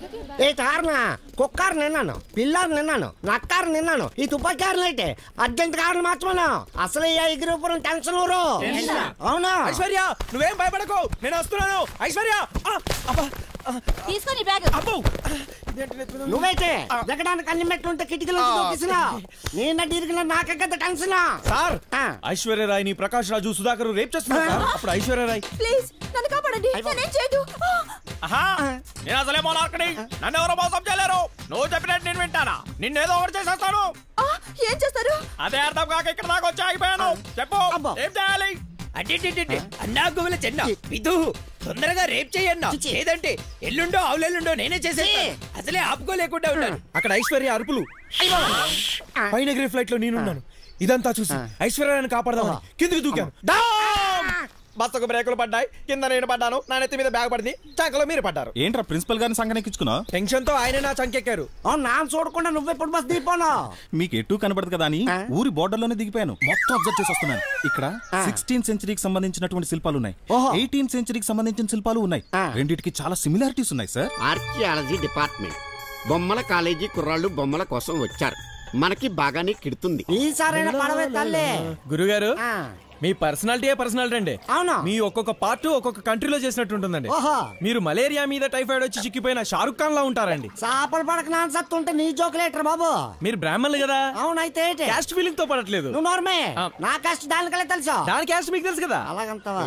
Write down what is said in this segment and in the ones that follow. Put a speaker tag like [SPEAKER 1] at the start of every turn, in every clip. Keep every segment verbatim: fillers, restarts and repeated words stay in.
[SPEAKER 1] ఏ కారణ కుక్కారు నిన్నాను, పిల్లారు నిన్నాను, నక్కారు నిన్నాను, ఈ తుపాకారులు అయితే అర్జెంట్ కారణం మార్చమను. అసలు ఈ ఎగిరిపురం టెన్షన్ ఊరు. అవునా
[SPEAKER 2] ఐశ్వర్య, నువ్వేం భయపడకు, నేను వస్తున్నాను. ఐశ్వర్య
[SPEAKER 3] తీసుకొని బ్యాగ్.
[SPEAKER 1] నువ్వైతే దిగడానికి అన్ని మెట్లు ఉంటే కిటికీలో దూకిసినా నేను ఇరిగిన నాకే కదా టెన్షన్.
[SPEAKER 2] సార్, ఐశ్వర్య రాయ్ ని ప్రకాష్ రాజు సుధాకర్ రేప్ చేస్తున్నారు. అప్పుడు ఐశ్వర్య రాయ్
[SPEAKER 3] ప్లీజ్ నన్ను కాపాడండి, నేనేం చేయదు.
[SPEAKER 2] నేను అసలే మోనార్కని, నన్ను ఎవరో మోసం చేయలేరు. నువ్వు చెప్పినట్టు నేను వింటానా? నిన్నేదో ఒకటి చేసేస్తాను.
[SPEAKER 3] ఏం చేస్తారు?
[SPEAKER 2] అదే అర్థం కాక ఇక్కడ దాకా వచ్చి ఆగిపోయాను. చెప్పు, ఏం చేయాలి?
[SPEAKER 4] అన్నా గువల చెన్న విధు తొందరగా రేప్ చేయన్నా, లేదంటే ఎల్లుండో అవులెల్లుండో నేనే చేసేస్తాను. అసలే ఆపుకోలేకుండా ఉన్నాను.
[SPEAKER 2] అక్కడ ఐశ్వర్య అరుపులు, పైన ఎగిరే ఫ్లైట్ లో నేనున్నాను. ఇదంతా చూసి ఐశ్వర్యాన్ని కాపాడదామని కిందికి దూకాను. బస్సుకు బ్రేకులు పడ్డాయి, కింద నేను పడ్డాను, నా నెత్తి మీద బ్యాగ్ పడింది, చంకలో మీరు పడ్డారు.
[SPEAKER 5] ఏంట్రా ప్రిన్సిపల్ గారిని సంగనెక్కించుకున్నావు?
[SPEAKER 2] టెన్షన్ తో ఆయన నా చంకెక్కారు.
[SPEAKER 1] నా చూడకుండా నువ్వెప్పుడు బస్ దిగిపోను.
[SPEAKER 5] మీకు ఎటు కనబడదు కదా అని ఊరి బోర్డర్ లోనే దిగిపోయాను. మొత్తం అబ్జర్వ్ చేసి వస్తున్నాను. ఇక్కడ సిక్స్టీన్ సెంచరీకి సంబంధించినటువంటి శిల్పాలు ఉన్నాయి, ఎయిటీన్ సెంచరీకి సంబంధించిన శిల్పాలు ఉన్నాయి. రెండింటికి చాలా సిమిలారిటీస్ ఉన్నాయి సార్.
[SPEAKER 6] ఆర్కియాలజీ డిపార్ట్మెంట్ బొమ్మల కాలేజీ కుర్రాళ్ళు బొమ్మల కోసం వచ్చారు. మనకి బాగానే కిడుతుంది.
[SPEAKER 1] ఈసారైనా పడవే తల్లి.
[SPEAKER 2] గురుగారు, మీ పర్సనాలిటీ పర్సనాలిటీ అండి.
[SPEAKER 1] అవునా?
[SPEAKER 2] మీ ఒక్కొక్క పార్ట్ ఒక్కొక్క కంట్రీలో చేసినట్టు ఉంటుందండి. మీరు మలేరియా మీద టైఫాయిడ్ వచ్చి చిక్కిపోయిన షారుఖ్ ఖాన్ లా ఉంటారండి.
[SPEAKER 1] చేపలు పడక నాన్ సత్తుంటే నీ జోకులేటర్ బాబు.
[SPEAKER 2] మీరు బ్రాహ్మణులు కదా.
[SPEAKER 1] అవునైతే
[SPEAKER 2] క్యాస్ట్ ఫీలింగ్ తో పడట్లేదు.
[SPEAKER 1] నువ్వు నార్మే, నా క్యాస్ట్ దానికలే తెలుసా?
[SPEAKER 2] దాని క్యాస్ట్ మీకు తెలుసు కదా.
[SPEAKER 1] అలాగంతవా?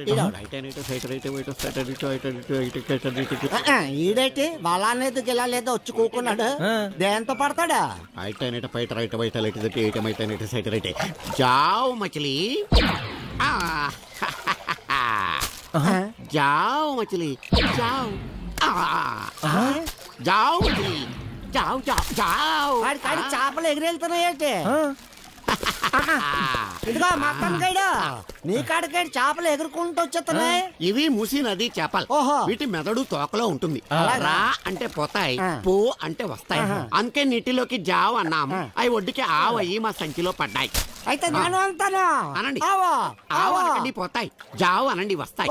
[SPEAKER 1] ఈడైతే వాళ్ళనేది గెలాలేదో వచ్చి కూకున్నాడు. దేంతో పడతాడా?
[SPEAKER 6] జావ్ మచిలీ, जाओ मछली जाओ, जाओ मछली जाओ जाओ जाओ.
[SPEAKER 1] చేపలు ఎగిరెళ్తున్నాయంటే ఇదిగో మటన్ గైడు, నీ కాడికాడి చేపలు ఎగురుకుంటూ వచ్చేస్తున్నాయి.
[SPEAKER 6] ఇవి మూసి నది చేపలు. వీటి మెదడు తోకలో ఉంటుంది. రా అంటే పోతాయి, పో అంటే వస్తాయి. అందుకే నీటిలోకి జావ్ అన్నాము. అవి ఒడ్డుకి ఆవయ్యి మా సంచిలో పడ్డాయి.
[SPEAKER 1] అయితే నేను అంటాను
[SPEAKER 6] అనండి. ఆవు అనండి పోతాయి, జావ్ అనండి వస్తాయి.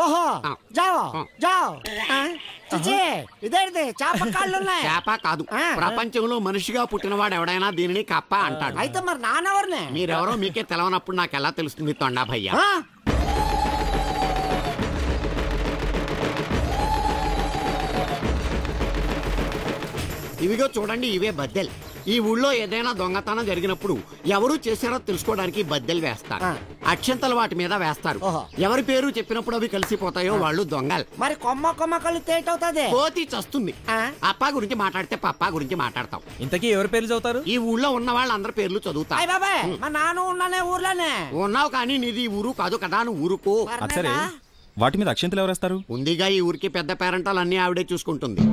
[SPEAKER 1] ఇదేంటి చేప కాళ్ళు ఉన్నాయి?
[SPEAKER 6] చేప కాదు, ప్రపంచంలో మనిషిగా పుట్టినవాడు ఎవడైనా దీనిని కప్ప అంటాడు.
[SPEAKER 1] అయితే మరి నానెవరిని?
[SPEAKER 6] మీరెవరో మీకే తెలవనప్పుడు నాకు ఎలా తెలుస్తుంది తొండా భయ్యా? ఇవిగో చూడండి, ఇవే బద్దెలు. ఈ ఊళ్ళో ఏదైనా దొంగతనం జరిగినప్పుడు ఎవరు చేశారో తెలుసుకోవడానికి బద్దెలు వేస్తారు. అక్షంతలు వాటి మీద వేస్తారు. ఎవరి పేరు చెప్పినప్పుడు అవి కలిసిపోతాయో వాళ్ళు దొంగలు.
[SPEAKER 1] మరి కొమ్మ కొమ్మ కళ్ళు తేటవుతుంది,
[SPEAKER 6] కోతి చస్తుంది. అప్పా గురించి మాట్లాడితే పప్పా గురించి మాట్లాడతాం.
[SPEAKER 2] ఇంతకీ ఎవరి పేర్లు చదువుతారు?
[SPEAKER 6] ఈ ఊళ్ళో ఉన్న వాళ్ళందరి పేర్లు చదువుతారు.
[SPEAKER 1] మా నాన్న ఉన్నానే ఊర్లోనే
[SPEAKER 6] ఉన్నావు, కానీ నీది ఊరు కాదు కదా, నువ్వు ఊరుకో.
[SPEAKER 5] సరే, వాటి మీద అక్షంతలు ఎవరేస్తారు?
[SPEAKER 6] ఉందిగా ఈ ఊరికి పెద్ద పేరెంటాలు అన్ని ఆవిడే చూసుకుంటుంది.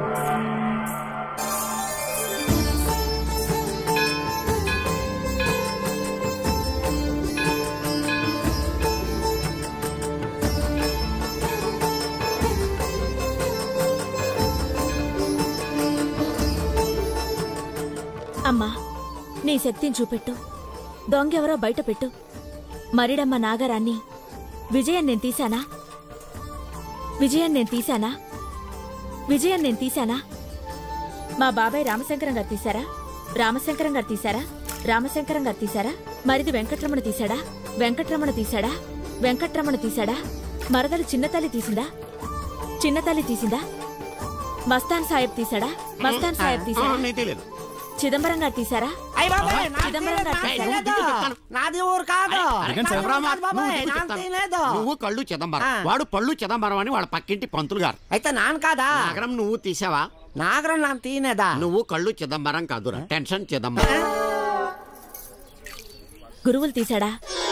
[SPEAKER 3] అమ్మా, నీ శక్తిని చూపెట్టు, దొంగెవరో బయట పెట్టు. మరిడమ్మ నాగరాన్ని విజయం నేను తీశానా? విజయం నేను తీశానా? విజయం నేను తీశానా? మా బాబాయ్ రామశంకరం గారు తీశారా? రామశంకరం గారు తీశారా? రామశంకరం గారు తీశారా? మరిది వెంకట్రమణ తీశాడా? వెంకట్రమణ తీశాడా? వెంకట్రమణ తీశాడా? మరదలు చిన్నతల్లి తీసిందా? చిన్నతల్లి తీసిందా? మస్తాన్ సాహెబ్ తీశాడా? మస్తాన్ సాహెబ్ తీశాడా? చిదంబరం గారు తీశారా?
[SPEAKER 1] నాది ఊరు కాదు.
[SPEAKER 6] నువ్వు కళ్ళు చిదంబరం, వాడు పళ్ళు చిదంబరం అని వాళ్ళ పక్కింటి పంతులు గారు.
[SPEAKER 1] అయితే నాన్న కాదా?
[SPEAKER 6] నాగరం నువ్వు తీసావా?
[SPEAKER 1] నాగరం నాన్న తీనేదా?
[SPEAKER 6] నువ్వు కళ్ళు చిదంబరం కాదురా, టెన్షన్ చిదంబరం.
[SPEAKER 3] గురువులు తీశాడా?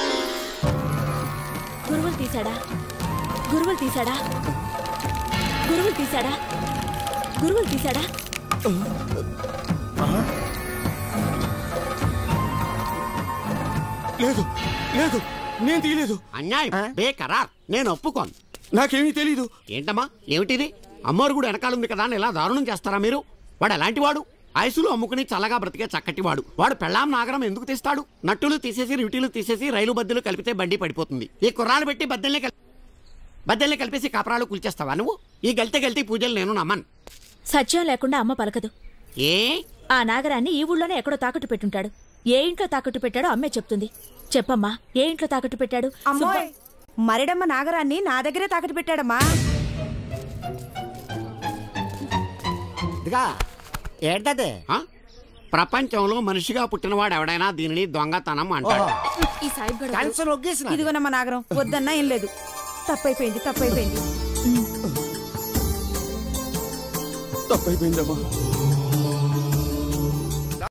[SPEAKER 3] గురువులు తీశాడా? గురువులు తీశాడా? గురువులు తీశాడా? గురువులు తీశాడా?
[SPEAKER 6] లేదు లేదు, నేను తీయలేదు. అన్యాయం, బేకరార్, నేను ఒప్పుకోను. నాకేమీ తెలీదు. ఏంటమ్మా ఏమిటిది? అమ్మవారు కూడా వెనకాలంది కదా అని ఇలా దారుణం చేస్తారా మీరు? వాడు ఎలాంటి వాడు? ఐసులు అమ్ముకుని చల్లగా బ్రతికే చక్కటి వాడు. వాడు పెళ్ళాం నాగరం ఎందుకు తీస్తాడు? నట్టులు తీసేసి రిటీలు తీసేసి రైలు బద్దెలు కలిపితే బండి పడిపోతుంది. ఈ కుర్రాలు పెట్టి బద్దెల్ని బద్దెల్ని కలిపేసి కాపరాలు కూల్చేస్తావా నువ్వు? ఈ గల్తే గల్తీ పూజలు నేను నమ్మను.
[SPEAKER 3] సత్యం లేకుండా అమ్మ పలకదు.
[SPEAKER 6] ఏ
[SPEAKER 3] ఆ నాగరాన్ని ఈ ఊళ్ళోనే ఎక్కడో తాకట్టు పెట్టుంటాడు. ఏ ఇంట్లో తాకట్టు పెట్టాడో అమ్మే చెప్తుంది. చెప్పమ్మా, ఏ ఇంట్లో తాకట్టు పెట్టాడు?
[SPEAKER 7] అమ్మోయ్, మరిడమ్మ నాగరాన్ని నా దగ్గరే తాకట్టు పెట్టాడమ్మా.
[SPEAKER 1] ఇదిగా ఏంటది?
[SPEAKER 6] ఆ? ప్రపంచంలో మనిషిగా పుట్టినవాడు ఎవడైనా దీనిని దొంగతనం అంటాడు.
[SPEAKER 7] ఈ సాయిబ్ గడు
[SPEAKER 1] టెన్షన్ ఒగ్గేసిన
[SPEAKER 7] ఇదిగోనమ్మ నాగరం, వద్దన్నా ఏం లేదు. తప్పైపోయింది తప్పైపోయింది
[SPEAKER 2] తప్పైపోయిందమ్మా.